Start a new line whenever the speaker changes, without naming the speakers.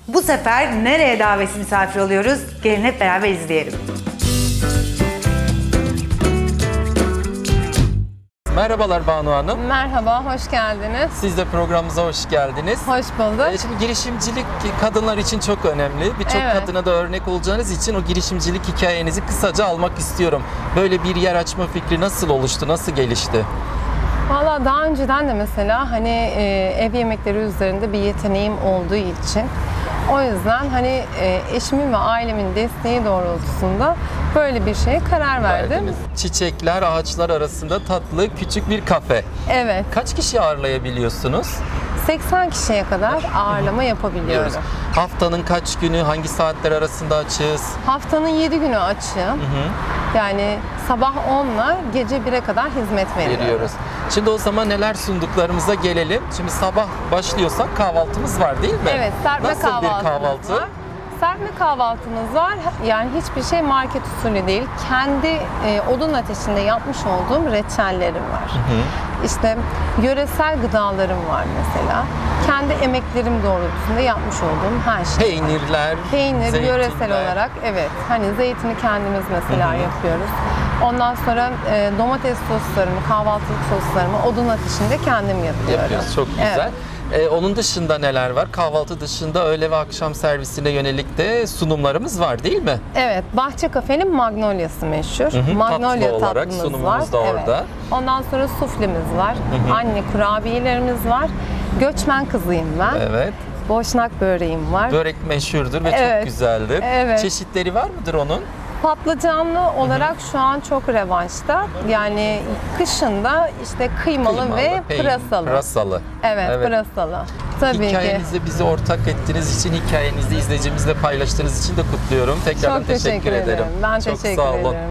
Bu sefer nereye davetsiz misafir oluyoruz? Gelin hep beraber izleyelim.
Merhabalar Banu Hanım.
Merhaba, hoş geldiniz.
Siz de programımıza hoş geldiniz.
Hoş bulduk.
Şimdi girişimcilik kadınlar için çok önemli. Birçok
Evet.
kadına da örnek olacağınız için o girişimcilik hikayenizi kısaca almak istiyorum. Böyle bir yer açma fikri nasıl oluştu, nasıl gelişti?
Valla daha önceden de mesela ev yemekleri üzerinde bir yeteneğim olduğu için o yüzden eşimin ve ailemin desteği doğrultusunda böyle bir şeye karar verdim.
Verdiniz. Çiçekler, ağaçlar arasında tatlı küçük bir kafe.
Evet,
Kaç kişi ağırlayabiliyorsunuz?
80 kişiye kadar ağırlama yapabiliyorum.
Haftanın kaç günü, hangi saatler arasında açığız?
Haftanın 7 günü açığım. Yani sabah 10 ile gece 1'e kadar hizmet veriyoruz.
Şimdi o zaman neler sunduklarımıza gelelim. Şimdi sabah başlıyorsak kahvaltımız var değil mi?
Evet, serpme
Nasıl
kahvaltımız
bir kahvaltı?
var. Serpme kahvaltımız var. Yani hiçbir şey market usulü değil. Kendi odun ateşinde yapmış olduğum reçellerim var. İşte yöresel gıdalarım var mesela. Kendi emeklerim doğrultusunda yapmış olduğum her şey.
Peynirler,
Peynir yöresel
zeytinler.
olarak evet. Zeytini kendimiz mesela yapıyoruz. Ondan sonra domates soslarımı, kahvaltılık soslarımı odun ateşinde kendim yapıyorum.
Yapıyoruz. Çok güzel.
Evet.
Onun dışında neler var? Kahvaltı dışında öğle ve akşam servisine yönelik de sunumlarımız var değil mi?
Evet, Bahçe Kafe'nin Magnolia'sı meşhur. Magnolia
Tatlı olarak
tatlımız
sunumumuz
var.
da orada.
Evet. Ondan sonra suflemiz var. Anne kurabiyelerimiz var. Göçmen kızıyım ben.
Evet.
Boşnak böreğim var.
Börek meşhurdur ve
Evet.
çok güzeldir.
Evet.
Çeşitleri var mıdır onun?
Patlıcanlı olarak şu an çok revanşta. Yani kışında işte kıymalı ve pırasalı.
Pırasalı.
Evet, pırasalı. Tabii ki.
Hikayenizi bize ortak ettiğiniz için, hikayenizi izleyicimizle paylaştığınız için de kutluyorum. Tekrardan
Çok teşekkür ederim. Ben
Çok
teşekkür
sağ olun.
ederim.